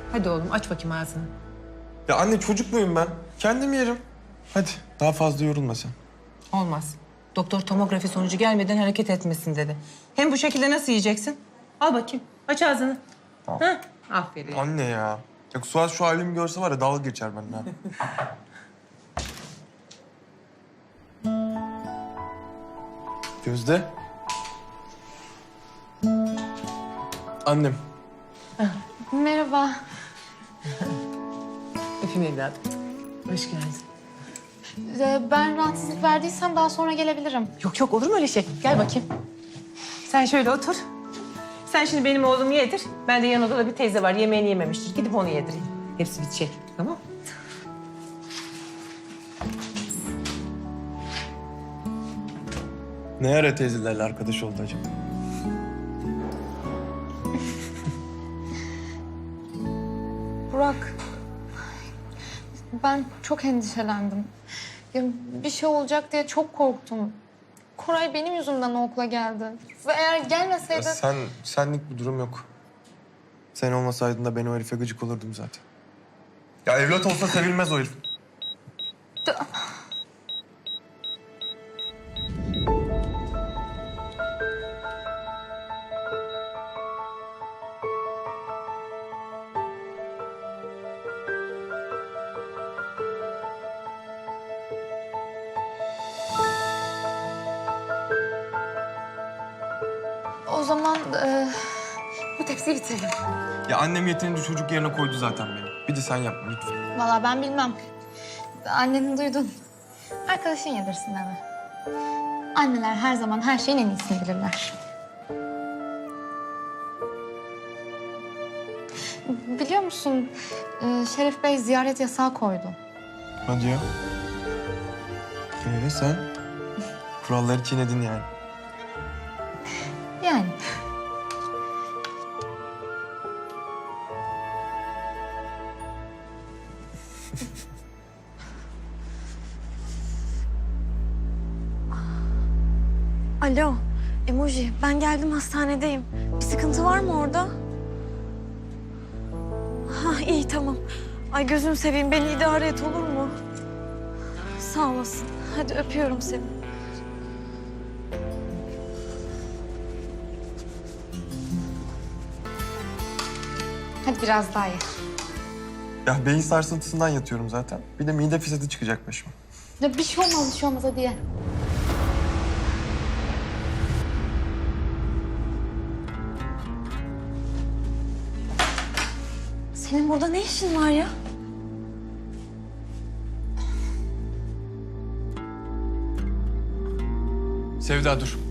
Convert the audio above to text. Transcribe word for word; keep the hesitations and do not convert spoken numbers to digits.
Hadi oğlum aç bakayım ağzını. Ya anne çocuk muyum ben? Kendim yerim. Hadi daha fazla yorulma sen. Olmaz. Doktor tomografi sonucu gelmeden hareket etmesin dedi. Hem bu şekilde nasıl yiyeceksin? Al bakayım. Aç ağzını. Al. Ha? Aferin. Anne ya. Ya Suat şu halimi görse var ya dalga geçer benimle. Gözde. Annem. Merhaba. Öpeyim evladım. Hoş geldin. Ee, ben rahatsızlık verdiysem daha sonra gelebilirim. Yok yok olur mu öyle şey? Gel bakayım. Sen şöyle otur. Sen şimdi benim oğlumu yedir. Ben de yan odada bir teyze var yemeğini yememiştir. Gidip onu yedireyim. Hepsi bitecek. Tamam mı? Ne ara teyzelerle arkadaş oldu acaba? Burak, ben çok endişelendim. Ya, bir şey olacak diye çok korktum. Koray benim yüzümden o okula geldi. Ve eğer Ya gelmeseydi... sen, senlik bir durum yok. Sen olmasaydın da ben o herife gıcık olurdum zaten. Ya evlat olsa sevilmez o herif. O zaman e, bu tepsiyi bitirelim. Ya annem yeterince çocuk yerine koydu zaten beni. Bir de sen yapma lütfen. Vallahi ben bilmem. Anneni duydun. Arkadaşın yedirsin deme. Anneler her zaman her şeyin en iyisini bilirler. Biliyor musun, e, Şerif Bey ziyaret yasağı koydu. Hadi ya. Ee sen? Kuralları çiğnedin yani. Yani. Alo, Emoji. Ben geldim, hastanedeyim. Bir sıkıntı var mı orada? Ha, iyi tamam. Ay gözünü seveyim, beni idare et olur mu? Sağ olasın. Hadi öpüyorum seni. Hadi biraz daha ye. Ya beyin sarsıntısından yatıyorum zaten. Bir de mide fesatı çıkacak başıma. Ya bir şey olmaz, bir şey olmaz. Hadi ye. Senin burada ne işin var ya? Sevda dur.